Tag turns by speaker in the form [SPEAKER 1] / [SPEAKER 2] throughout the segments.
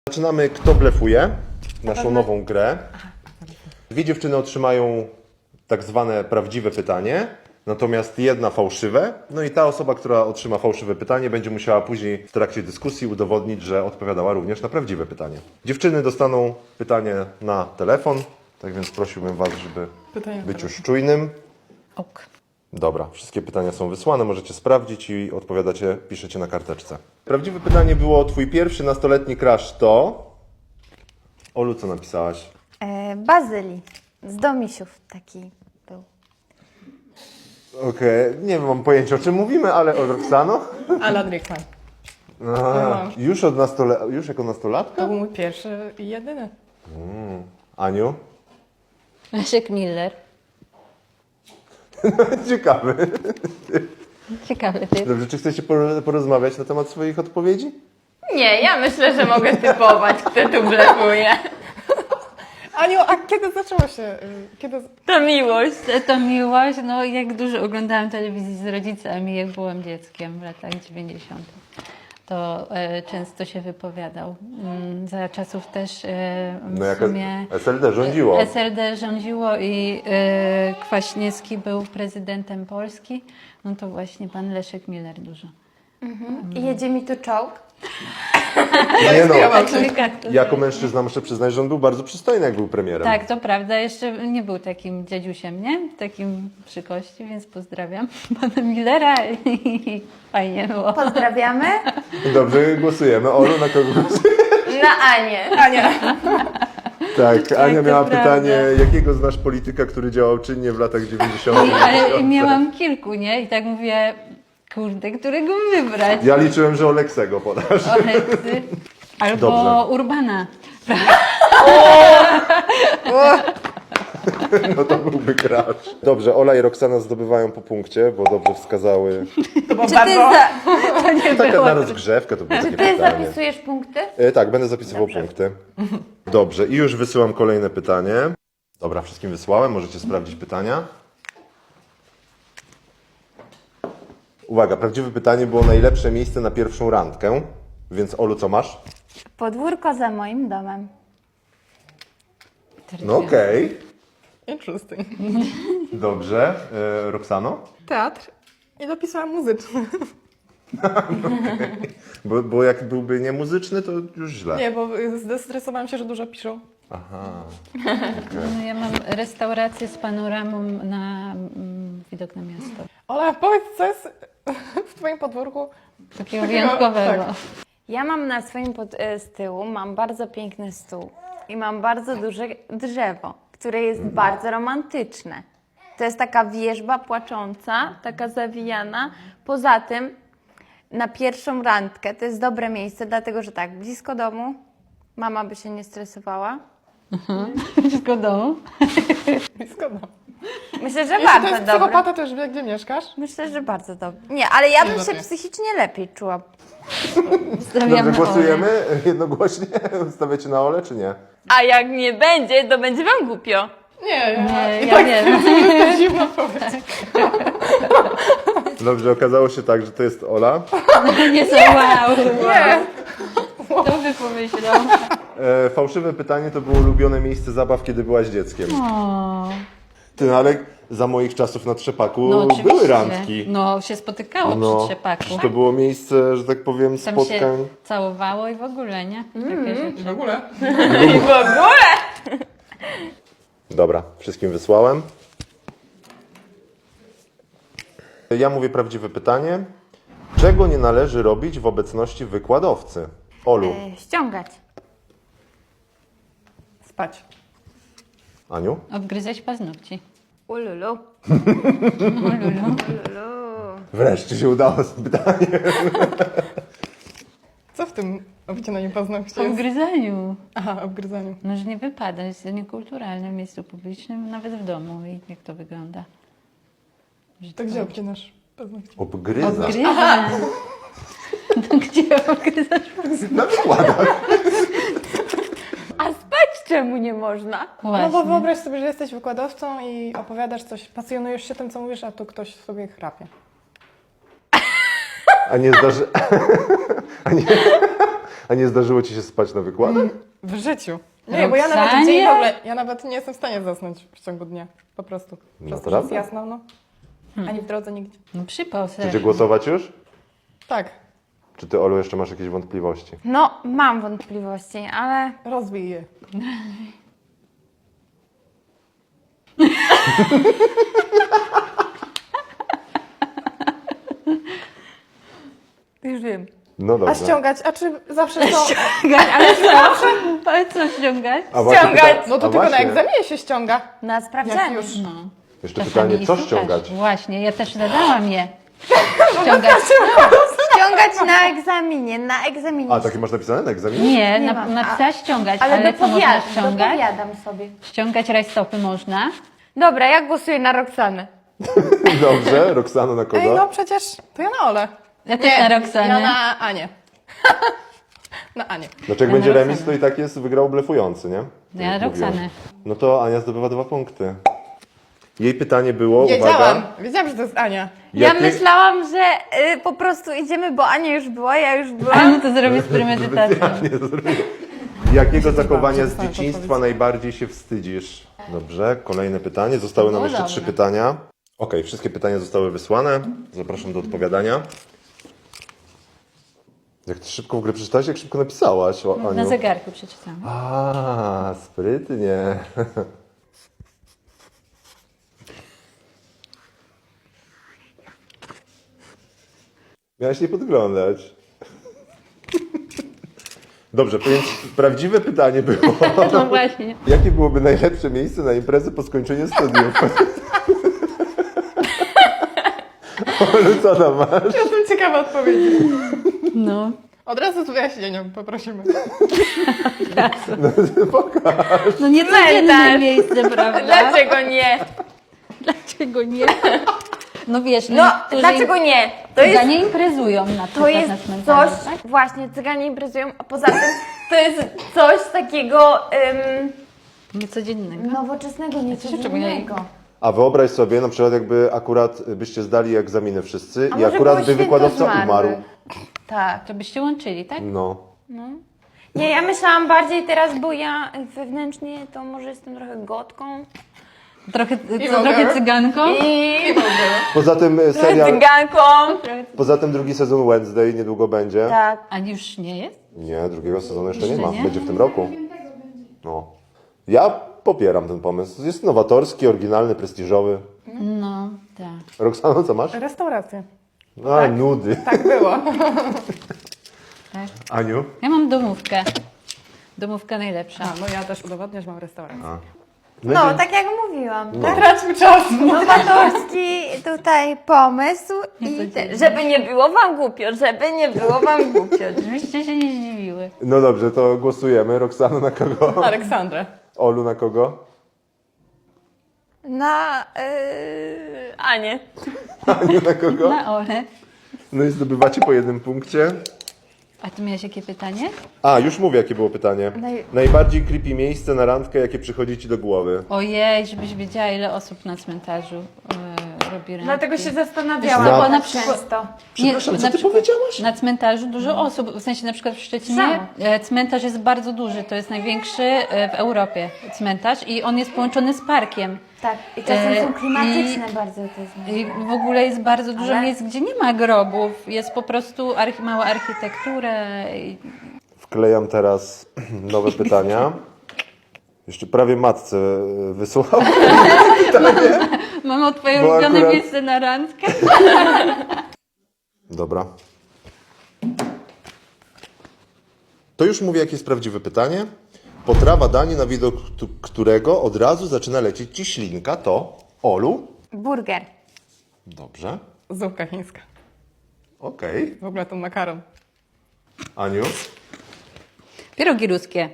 [SPEAKER 1] Zaczynamy Kto blefuje, naszą nową grę. Dwie dziewczyny otrzymają tak zwane prawdziwe pytanie, natomiast jedna fałszywe. No i ta osoba, która otrzyma fałszywe pytanie, będzie musiała później w trakcie dyskusji udowodnić, że odpowiadała również na prawdziwe pytanie. Dziewczyny dostaną pytanie na telefon, tak więc prosiłbym Was, żeby być już czujnym.
[SPEAKER 2] Ok.
[SPEAKER 1] Dobra, wszystkie pytania są wysłane, możecie sprawdzić i odpowiadacie, piszecie na karteczce. Prawdziwe pytanie było: twój pierwszy nastoletni crush to... Olu, co napisałaś?
[SPEAKER 2] Bazyli. Z Domisiów taki był.
[SPEAKER 1] Okej, nie mam pojęcia, o czym mówimy, ale o Roxano?
[SPEAKER 3] Alan Rickman.
[SPEAKER 1] Już jako nastolatka?
[SPEAKER 3] To był mój pierwszy i jedyny.
[SPEAKER 1] Aniu?
[SPEAKER 4] Leszek Miller.
[SPEAKER 1] Ciekawy.
[SPEAKER 4] Ciekawy typ.
[SPEAKER 1] Dobrze, czy chcecie porozmawiać na temat swoich odpowiedzi?
[SPEAKER 5] Nie, ja myślę, że mogę typować, kto tu blefuje.
[SPEAKER 3] Aniu, a kiedy zaczęło się?
[SPEAKER 5] To miłość.
[SPEAKER 4] To miłość, no jak dużo oglądałam telewizji z rodzicami, jak byłam dzieckiem w latach 90. To często się wypowiadał. Za czasów też
[SPEAKER 1] No
[SPEAKER 4] w
[SPEAKER 1] jak
[SPEAKER 4] sumie
[SPEAKER 1] SLD rządziło.
[SPEAKER 4] SLD rządziło i Kwaśniewski był prezydentem Polski, no to właśnie pan Leszek Miller dużo.
[SPEAKER 2] I jedzie mi tu czołg.
[SPEAKER 1] Nie no,
[SPEAKER 4] Tak,
[SPEAKER 1] jako mężczyzna muszę przyznać, że on był bardzo przystojny, jak był premierem.
[SPEAKER 4] tak, to prawda. Jeszcze nie był takim dziadziusiem, nie? Takim przy kości, więc pozdrawiam pana Millera i fajnie było.
[SPEAKER 2] Pozdrawiamy.
[SPEAKER 1] Dobrze, głosujemy. Olu, na kogo głosujesz?
[SPEAKER 5] Na Anię.
[SPEAKER 1] Tak, Ania
[SPEAKER 4] to
[SPEAKER 1] miała
[SPEAKER 4] prawda.
[SPEAKER 1] pytanie, jakiego znasz polityka, który działał czynnie w latach 90.
[SPEAKER 4] Ale miałam kilku, nie? I tak mówię, kurde, którego wybrać?
[SPEAKER 1] Ja liczyłem, że Oleksego podasz.
[SPEAKER 4] Oleksy albo
[SPEAKER 1] Dobrze.
[SPEAKER 4] Urbana.
[SPEAKER 1] No to byłby crash. Dobrze, Ola i Roxana zdobywają po punkcie, bo dobrze wskazały.
[SPEAKER 2] Czy ty,
[SPEAKER 1] Taka na rozgrzewkę to było takie
[SPEAKER 2] ty
[SPEAKER 1] pytanie.
[SPEAKER 2] zapisujesz punkty?
[SPEAKER 1] Tak, będę zapisywał punkty. Dobrze, i już wysyłam kolejne pytanie. Dobra, wszystkim wysłałem, możecie sprawdzić pytania. Uwaga, prawdziwe pytanie było: najlepsze miejsce na pierwszą randkę. Więc Olu, co masz?
[SPEAKER 2] Podwórko za moim domem.
[SPEAKER 1] No okej.
[SPEAKER 3] Interesting.
[SPEAKER 1] Dobrze. Roxano?
[SPEAKER 3] Teatr i dopisałam muzyczny.
[SPEAKER 1] Bo jak byłby niemuzyczny, to już źle.
[SPEAKER 3] Nie, bo zestresowałam się, że dużo piszą.
[SPEAKER 1] Aha.
[SPEAKER 4] No, ja mam restaurację z panoramą na widok na miasto.
[SPEAKER 3] Ola, powiedz, co jest w twoim podwórku?
[SPEAKER 4] Takiego wyjątkowego.
[SPEAKER 3] Tak.
[SPEAKER 2] Ja mam na swoim z tyłu mam bardzo piękny stół i mam bardzo duże drzewo, które jest bardzo romantyczne. To jest taka wierzba płacząca, taka zawijana. Poza tym na pierwszą randkę to jest dobre miejsce, dlatego że tak, blisko domu, mama by się nie stresowała.
[SPEAKER 4] Wszystko w domu.
[SPEAKER 3] Blisko domu.
[SPEAKER 2] Myślę, że
[SPEAKER 3] Jeśli to
[SPEAKER 2] bardzo
[SPEAKER 3] jest
[SPEAKER 2] dobre.
[SPEAKER 3] psychopata, to już wie, gdzie mieszkasz.
[SPEAKER 2] Myślę, że bardzo dobre. Nie, ale ja bym się
[SPEAKER 3] żartuję.
[SPEAKER 2] psychicznie lepiej czuła.
[SPEAKER 4] Stawiam
[SPEAKER 1] Dobrze,
[SPEAKER 4] na
[SPEAKER 1] głosujemy jednogłośnie? Stawiacie na Ole, czy nie?
[SPEAKER 5] A jak nie będzie, to będzie wam głupio.
[SPEAKER 3] Nie,
[SPEAKER 4] Nie, ja wiem.
[SPEAKER 3] to dziwna odpowiedź.
[SPEAKER 1] Dobrze, okazało się tak, że to jest Ola.
[SPEAKER 4] Nie są wow. Nie. Kto by pomyślał?
[SPEAKER 1] Fałszywe pytanie to było ulubione miejsce zabaw, kiedy byłaś dzieckiem.
[SPEAKER 4] O,
[SPEAKER 1] Ty, no ale za moich czasów na Trzepaku
[SPEAKER 4] no oczywiście.
[SPEAKER 1] były randki.
[SPEAKER 4] No się spotykało przy Trzepaku.
[SPEAKER 1] To było miejsce, że tak powiem,
[SPEAKER 4] Tam
[SPEAKER 1] spotkań.
[SPEAKER 4] się całowało i w ogóle, nie? Takie rzeczy.
[SPEAKER 3] W ogóle.
[SPEAKER 5] I w ogóle.
[SPEAKER 1] Dobra, wszystkim wysłałem. Ja mówię prawdziwe pytanie. Czego nie należy robić w obecności wykładowcy? Olu,
[SPEAKER 2] Ściągać.
[SPEAKER 3] Spać.
[SPEAKER 1] Aniu?
[SPEAKER 4] Obgryzać paznokci.
[SPEAKER 2] Ululu.
[SPEAKER 4] Lulu.
[SPEAKER 1] Wreszcie się udało z pytaniem.
[SPEAKER 3] Co w tym obcinaniu paznokci
[SPEAKER 4] W
[SPEAKER 3] jest?
[SPEAKER 4] obgryzaniu.
[SPEAKER 3] Aha, obgryzaniu.
[SPEAKER 4] No, że nie wypada, jest to niekulturalne w miejscu publicznym, nawet w domu. I jak to wygląda? Że
[SPEAKER 3] To gdzie obcinasz paznokcie?
[SPEAKER 1] Obgryza.
[SPEAKER 4] Obgryzam. No gdzie obgryzasz?
[SPEAKER 1] Na wykładach.
[SPEAKER 5] A spać czemu nie można?
[SPEAKER 3] No
[SPEAKER 4] Właśnie.
[SPEAKER 3] bo wyobraź sobie, że jesteś wykładowcą i opowiadasz coś, pasjonujesz się tym, co mówisz, a tu ktoś sobie chrapie.
[SPEAKER 1] A nie zdarzy... A nie zdarzyło ci się spać na wykładach?
[SPEAKER 3] W życiu. Nie, bo ja nawet
[SPEAKER 4] Roxanie?
[SPEAKER 3] dzień w ogóle, ja nawet nie jestem w stanie zasnąć w ciągu dnia. Po prostu. Przez to, że jest
[SPEAKER 1] Naprawdę?
[SPEAKER 3] jasno, no. Ani w drodze nigdzie.
[SPEAKER 4] No przypał
[SPEAKER 1] Chcecie
[SPEAKER 4] sobie.
[SPEAKER 1] głosować już?
[SPEAKER 3] Tak,
[SPEAKER 1] Czy ty, Olu, jeszcze masz jakieś wątpliwości?
[SPEAKER 2] No, mam wątpliwości, ale
[SPEAKER 3] rozbij je.
[SPEAKER 2] już wiem.
[SPEAKER 1] No
[SPEAKER 3] A
[SPEAKER 1] dobra.
[SPEAKER 3] ściągać, a czy zawsze to...
[SPEAKER 4] Ale co ściągać?
[SPEAKER 1] A właśnie
[SPEAKER 2] ściągać.
[SPEAKER 3] No to
[SPEAKER 1] a
[SPEAKER 3] tylko na
[SPEAKER 1] właśnie,
[SPEAKER 3] egzaminie się ściąga.
[SPEAKER 2] Na
[SPEAKER 3] Jak
[SPEAKER 2] sprawdzianie.
[SPEAKER 3] już.
[SPEAKER 4] No.
[SPEAKER 1] Jeszcze
[SPEAKER 4] Czasami
[SPEAKER 1] pytanie, co
[SPEAKER 4] słuchasz.
[SPEAKER 1] ściągać?
[SPEAKER 4] Właśnie, ja też zadałam je. Ściągać.
[SPEAKER 2] Ściągać na egzaminie, na egzaminie.
[SPEAKER 1] A, takie masz napisane na egzaminie?
[SPEAKER 4] Nie,
[SPEAKER 2] Nie mam.
[SPEAKER 4] napisała ściągać,
[SPEAKER 2] Ale
[SPEAKER 4] ale co można ściągać?
[SPEAKER 2] dopowiadam sobie.
[SPEAKER 4] Ściągać rajstopy można.
[SPEAKER 2] Dobra, ja głosuję na Roxanę.
[SPEAKER 1] Dobrze, Roxano na kogo?
[SPEAKER 3] Ej, no przecież to ja na Ole.
[SPEAKER 4] Ja też na Roxanę.
[SPEAKER 3] Ja na Anię. Na Anię.
[SPEAKER 1] Znaczy jak
[SPEAKER 4] Ja
[SPEAKER 1] będzie
[SPEAKER 4] na
[SPEAKER 1] remis,
[SPEAKER 4] Roxanę.
[SPEAKER 1] to i tak jest wygrał blefujący, nie?
[SPEAKER 4] Ja na
[SPEAKER 1] Jak mówiłaś.
[SPEAKER 4] Roxanę.
[SPEAKER 1] No to Ania zdobywa 2 punkty. Jej pytanie było,
[SPEAKER 3] Wiedziałam,
[SPEAKER 1] uwaga,
[SPEAKER 3] wiedziałam, że to jest Ania.
[SPEAKER 2] Ja
[SPEAKER 1] jakie-
[SPEAKER 2] myślałam, że po prostu idziemy, bo Ania już była, ja już
[SPEAKER 4] A
[SPEAKER 2] byłam.
[SPEAKER 4] no to zrobię z premedytacją.
[SPEAKER 1] Specjalnie to zrobiłem. Jakiego zachowania z
[SPEAKER 3] przestałam
[SPEAKER 1] dzieciństwa
[SPEAKER 3] podpowiedź.
[SPEAKER 1] najbardziej się wstydzisz? Dobrze, kolejne pytanie. Zostały nam
[SPEAKER 4] było
[SPEAKER 1] jeszcze
[SPEAKER 4] dobre.
[SPEAKER 1] 3 pytania. Okej, wszystkie pytania zostały wysłane. Zapraszam do odpowiadania. Jak ty szybko w ogóle przeczytałaś, jak szybko napisałaś, o, Aniu.
[SPEAKER 4] Na zegarku przeczytałam.
[SPEAKER 1] A, sprytnie. Miałaś nie podglądać. Dobrze, więc prawdziwe pytanie było,
[SPEAKER 4] No właśnie.
[SPEAKER 1] jakie byłoby najlepsze miejsce na imprezę po skończeniu studiów? Olu, co tam masz?
[SPEAKER 3] Jestem ciekawa odpowiedzi.
[SPEAKER 4] No.
[SPEAKER 3] Od razu z wyjaśnieniem poprosimy.
[SPEAKER 4] No nie codzienne miejsce, prawda?
[SPEAKER 2] Dlaczego nie?
[SPEAKER 4] Dlaczego nie? No wiesz,
[SPEAKER 2] No,
[SPEAKER 4] niektórzy
[SPEAKER 2] dlaczego nie? To jest,
[SPEAKER 4] Cyganie imprezują na
[SPEAKER 2] to
[SPEAKER 4] przykład
[SPEAKER 2] jest
[SPEAKER 4] na cmentarzu,
[SPEAKER 2] coś,
[SPEAKER 4] tak?
[SPEAKER 2] właśnie, cyganie imprezują, a poza tym to jest coś takiego
[SPEAKER 4] Niecodziennego.
[SPEAKER 2] nowoczesnego, niecodziennego.
[SPEAKER 1] A wyobraź sobie, na przykład jakby akurat byście zdali egzaminy wszyscy
[SPEAKER 2] A
[SPEAKER 1] i
[SPEAKER 2] może
[SPEAKER 1] akurat
[SPEAKER 2] było
[SPEAKER 1] by
[SPEAKER 2] święto
[SPEAKER 1] wykładowca
[SPEAKER 2] zmarłych?
[SPEAKER 1] umarł.
[SPEAKER 2] Tak.
[SPEAKER 4] To byście łączyli, tak?
[SPEAKER 1] No.
[SPEAKER 2] Nie, ja myślałam bardziej teraz, bo ja wewnętrznie to może jestem trochę gotką.
[SPEAKER 4] Trochę,
[SPEAKER 3] mogę.
[SPEAKER 4] trochę cyganką.
[SPEAKER 2] I
[SPEAKER 1] Poza tym serial,
[SPEAKER 2] cyganką.
[SPEAKER 1] poza tym drugi sezon Wednesday niedługo będzie.
[SPEAKER 2] Tak.
[SPEAKER 4] A już nie jest?
[SPEAKER 1] Nie, drugiego sezonu jeszcze nie
[SPEAKER 4] Jeszcze
[SPEAKER 1] ma.
[SPEAKER 4] nie?
[SPEAKER 1] Będzie w tym roku. No. Ja popieram ten pomysł. Jest nowatorski, oryginalny, prestiżowy.
[SPEAKER 4] No, tak.
[SPEAKER 1] Roxano, co masz?
[SPEAKER 3] Restaurację.
[SPEAKER 1] No, nudy.
[SPEAKER 3] Tak było.
[SPEAKER 4] tak.
[SPEAKER 1] Aniu?
[SPEAKER 4] Ja mam domówkę. Domówka najlepsza.
[SPEAKER 3] A, no ja też udowadniam, że mam restaurację.
[SPEAKER 2] No, tak jak mówiłam.
[SPEAKER 3] Nie traćmy czasu.
[SPEAKER 2] Nowatorski tutaj pomysł i żeby nie było wam głupio, żeby nie było wam głupio.
[SPEAKER 4] Żebyście się nie zdziwiły.
[SPEAKER 1] No dobrze, to głosujemy. Roxano na kogo?
[SPEAKER 3] Aleksandrę.
[SPEAKER 1] Olu na kogo?
[SPEAKER 2] Na Anię.
[SPEAKER 1] Aniu na kogo?
[SPEAKER 4] Na Ole.
[SPEAKER 1] No i zdobywacie po 1 punkcie.
[SPEAKER 4] A ty miałeś jakie pytanie?
[SPEAKER 1] A, już mówię, jakie było pytanie. Najbardziej creepy miejsce na randkę, jakie przychodzi ci do głowy.
[SPEAKER 4] Ojej, żebyś wiedziała, ile osób na cmentarzu robi randki.
[SPEAKER 2] Dlatego się zastanawiałam
[SPEAKER 1] Wiesz,
[SPEAKER 4] bo
[SPEAKER 2] tak
[SPEAKER 4] na przykład-
[SPEAKER 2] często.
[SPEAKER 1] Przepraszam, co
[SPEAKER 4] na
[SPEAKER 1] ty
[SPEAKER 4] przykład
[SPEAKER 1] powiedziałaś?
[SPEAKER 4] Na cmentarzu dużo osób, w sensie na przykład w Szczecinie
[SPEAKER 2] Samo.
[SPEAKER 4] Cmentarz jest bardzo duży, to jest największy w Europie cmentarz i on jest połączony z parkiem.
[SPEAKER 2] Tak, i czasem są
[SPEAKER 4] i-
[SPEAKER 2] klimatyczne bardzo te zmiany.
[SPEAKER 4] I w ogóle jest bardzo dużo
[SPEAKER 2] Ale-
[SPEAKER 4] miejsc, gdzie nie ma grobów, jest po prostu mała architektura.
[SPEAKER 1] Wklejam teraz nowe pytania. Jeszcze prawie matce wysłał.
[SPEAKER 4] Mamo, twoje
[SPEAKER 1] Bo
[SPEAKER 4] ulubione
[SPEAKER 1] akurat-
[SPEAKER 4] miejsce na randkę?
[SPEAKER 1] Dobra. To już mówię, jakie jest prawdziwe pytanie. Potrawa danie, na widok którego od razu zaczyna lecieć ci ślinka, to Olu.
[SPEAKER 2] Burger.
[SPEAKER 1] Dobrze.
[SPEAKER 3] Zupka chińska.
[SPEAKER 1] Okej.
[SPEAKER 3] W ogóle ten makaron.
[SPEAKER 1] Aniu?
[SPEAKER 4] Pierogi ruskie.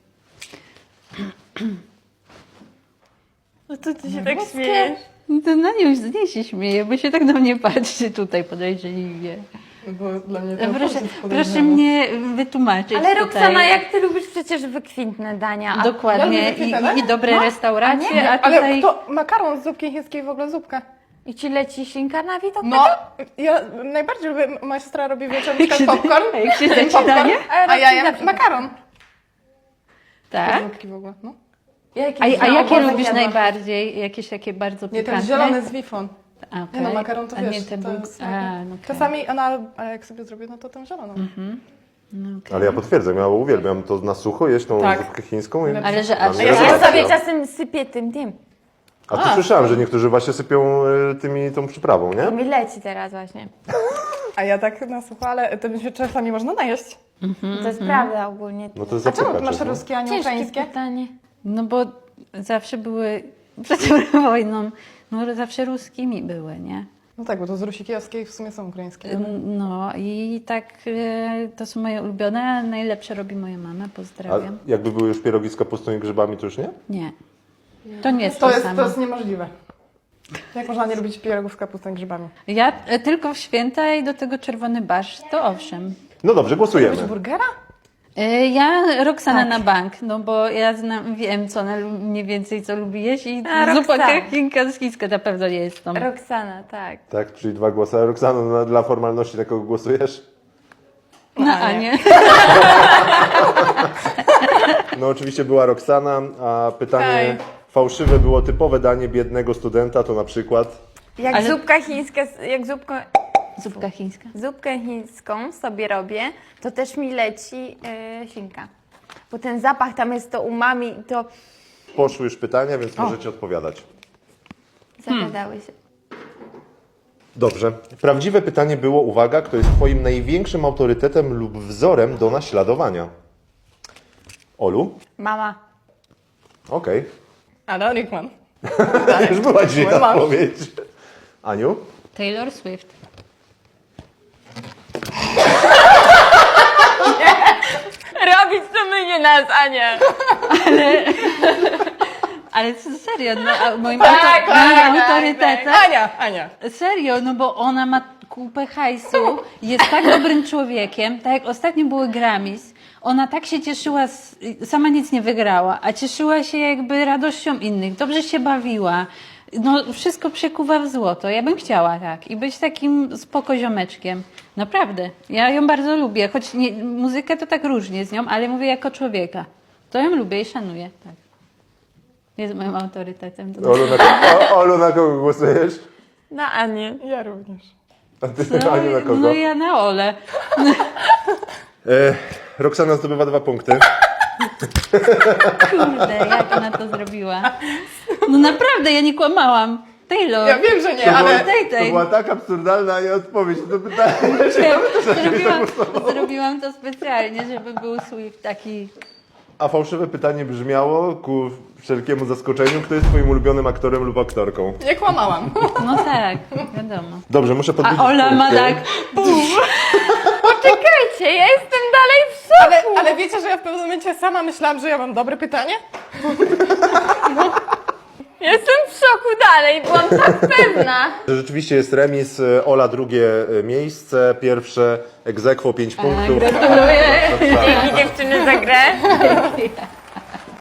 [SPEAKER 2] No to ty się tak śmiejesz.
[SPEAKER 4] To na nią z niej się śmieje, bo się tak na mnie patrzy tutaj podejrzliwie.
[SPEAKER 3] Bo dla mnie to
[SPEAKER 4] Proszę mnie wytłumaczyć
[SPEAKER 2] Ale
[SPEAKER 4] tutaj.
[SPEAKER 2] Roxana, jak ty lubisz przecież wykwintne dania. A
[SPEAKER 4] Dokładnie.
[SPEAKER 3] Ja lubię
[SPEAKER 4] I
[SPEAKER 3] dane?
[SPEAKER 4] dobre restauracje, a
[SPEAKER 3] Ale
[SPEAKER 4] tutaj...
[SPEAKER 3] to makaron z zupki chińskiej w ogóle zupka.
[SPEAKER 2] I ci leci ślinka na widok?
[SPEAKER 3] No, ja najbardziej lubię, moja siostra robi wieczorem na przykład popcorn.
[SPEAKER 4] A jak się zacina, nie?
[SPEAKER 3] A ja jem makaron.
[SPEAKER 4] Tak?
[SPEAKER 3] Żółtki w ogóle, no.
[SPEAKER 2] Jakieś
[SPEAKER 4] A jakie
[SPEAKER 2] owoce
[SPEAKER 4] lubisz
[SPEAKER 2] zjadłam.
[SPEAKER 4] najbardziej? Jakieś takie bardzo
[SPEAKER 3] Nie,
[SPEAKER 4] pikantne?
[SPEAKER 3] ten zielony z wifon.
[SPEAKER 4] A,
[SPEAKER 3] Nie
[SPEAKER 4] okej.
[SPEAKER 3] no, makaron to
[SPEAKER 4] A
[SPEAKER 3] wiesz,
[SPEAKER 4] nie te
[SPEAKER 3] to
[SPEAKER 4] bug...
[SPEAKER 3] jest-
[SPEAKER 4] A, no okej.
[SPEAKER 3] Czasami ona, a jak sobie zrobię, no to tę zieloną.
[SPEAKER 4] No okej.
[SPEAKER 1] Ale ja potwierdzam, ja uwielbiam to na sucho jeść tą
[SPEAKER 3] Tak.
[SPEAKER 1] zupkę chińską. I
[SPEAKER 4] Ale że
[SPEAKER 1] dla
[SPEAKER 4] aż-
[SPEAKER 1] mnie
[SPEAKER 3] Ja
[SPEAKER 2] Ja
[SPEAKER 1] rewelacja.
[SPEAKER 2] sobie czasem sypię tym.
[SPEAKER 1] A tu słyszałem, że niektórzy właśnie sypią tą przyprawą,
[SPEAKER 2] To
[SPEAKER 1] nie?
[SPEAKER 2] mi leci teraz właśnie.
[SPEAKER 3] A ja tak na sucho, ale tym się czasami można najeść.
[SPEAKER 2] To jest prawda ogólnie.
[SPEAKER 1] No to jest
[SPEAKER 3] A czemu
[SPEAKER 1] zapykacze,
[SPEAKER 3] masz
[SPEAKER 1] no.
[SPEAKER 3] ruskie, a nie
[SPEAKER 2] Ciężkie
[SPEAKER 3] ukraińskie?
[SPEAKER 2] pytanie.
[SPEAKER 4] No bo zawsze były, przed wojną, no zawsze ruskimi były, nie?
[SPEAKER 3] No tak, bo to z Rusi Kijowskiej w sumie są ukraińskie.
[SPEAKER 4] No i tak to są moje ulubione, a najlepsze robi moja mama,
[SPEAKER 1] A
[SPEAKER 4] pozdrawiam.
[SPEAKER 1] jakby były już pierogi z kapustą i grzybami, to już nie?
[SPEAKER 4] Nie, to nie jest
[SPEAKER 3] To
[SPEAKER 4] to
[SPEAKER 3] jest,
[SPEAKER 4] samo.
[SPEAKER 3] to jest niemożliwe. Jak można nie lubić pierogów z kapustą i grzybami?
[SPEAKER 4] Ja tylko w święta i do tego czerwony barszcz, to owszem.
[SPEAKER 1] No dobrze, głosujemy.
[SPEAKER 3] Lubisz burgera?
[SPEAKER 4] Ja Roxana na bank, no bo ja wiem, co ona mniej więcej co lubi jeść i
[SPEAKER 2] A,
[SPEAKER 4] zupa
[SPEAKER 2] Roxana.
[SPEAKER 4] chińska na pewno nie jest tą.
[SPEAKER 2] Roxana, tak.
[SPEAKER 1] Tak, czyli 2 głosy. A Roxano, dla formalności na kogo głosujesz?
[SPEAKER 4] Na Anię.
[SPEAKER 1] No oczywiście była Roxana, a pytanie
[SPEAKER 3] Hej.
[SPEAKER 1] fałszywe było typowe danie biednego studenta, to na przykład...
[SPEAKER 2] Jak
[SPEAKER 4] Ale-
[SPEAKER 2] zupka chińska,
[SPEAKER 4] Zupka chińska.
[SPEAKER 2] zupkę chińską sobie robię, to też mi leci ślinka. Bo ten zapach tam jest to umami, to
[SPEAKER 1] Poszły już pytania, więc możecie odpowiadać.
[SPEAKER 2] zagadały się.
[SPEAKER 1] Dobrze. Prawdziwe pytanie było, uwaga, kto jest Twoim największym autorytetem lub wzorem do naśladowania? Olu?
[SPEAKER 2] Mama.
[SPEAKER 1] Okej.
[SPEAKER 3] Ale Rickman.
[SPEAKER 1] Już była dzisiaj
[SPEAKER 3] Moja mama.
[SPEAKER 1] odpowiedź. Aniu?
[SPEAKER 4] Taylor Swift.
[SPEAKER 2] Robić to my, nie nas, Ania.
[SPEAKER 4] Ale serio, no, a moim
[SPEAKER 2] Tak,
[SPEAKER 4] autorytetem.
[SPEAKER 3] Ania.
[SPEAKER 4] Serio, no bo ona ma kupę hajsu, jest tak dobrym człowiekiem, tak jak ostatnio były Grammys, ona tak się cieszyła, sama nic nie wygrała, a cieszyła się jakby radością innych, dobrze się bawiła, no wszystko przekuwa w złoto, ja bym chciała tak i być takim spoko ziomeczkiem, naprawdę, ja ją bardzo lubię, choć nie, muzykę to tak różnie z nią, ale mówię jako człowieka, to ją lubię i szanuję, tak. Jest moim autorytetem.
[SPEAKER 1] Olu, na kogo głosujesz?
[SPEAKER 2] Na Anię.
[SPEAKER 3] Ja również.
[SPEAKER 1] A ty, Aniu, na kogo?
[SPEAKER 4] No ja na Ole.
[SPEAKER 1] Roxana zdobywa 2 punkty.
[SPEAKER 4] Kurde, jak ona to zrobiła. No naprawdę, ja nie kłamałam. Taylor.
[SPEAKER 3] Ja wiem, że nie,
[SPEAKER 1] To
[SPEAKER 3] ale...
[SPEAKER 1] to była tak absurdalna odpowiedź na to pytanie.
[SPEAKER 4] Zrobiłam to specjalnie, żeby był Swift taki...
[SPEAKER 1] A fałszywe pytanie brzmiało, ku wszelkiemu zaskoczeniu, kto jest Twoim ulubionym aktorem lub aktorką?
[SPEAKER 3] Nie kłamałam.
[SPEAKER 4] No tak, wiadomo.
[SPEAKER 1] Dobrze, muszę podbić
[SPEAKER 4] A Ola ma
[SPEAKER 1] punkty.
[SPEAKER 4] tak...
[SPEAKER 2] Poczekajcie, ja jestem dalej w szoku.
[SPEAKER 3] Ale wiecie, że ja w pewnym momencie sama myślałam, że ja mam dobre pytanie?
[SPEAKER 2] Jestem w szoku dalej, byłam tak pewna.
[SPEAKER 1] Rzeczywiście jest remis, Ola drugie miejsce, pierwsze ex aequo 5 punktów.
[SPEAKER 4] Gratuluję.
[SPEAKER 2] Dzięki dziewczyny za grę.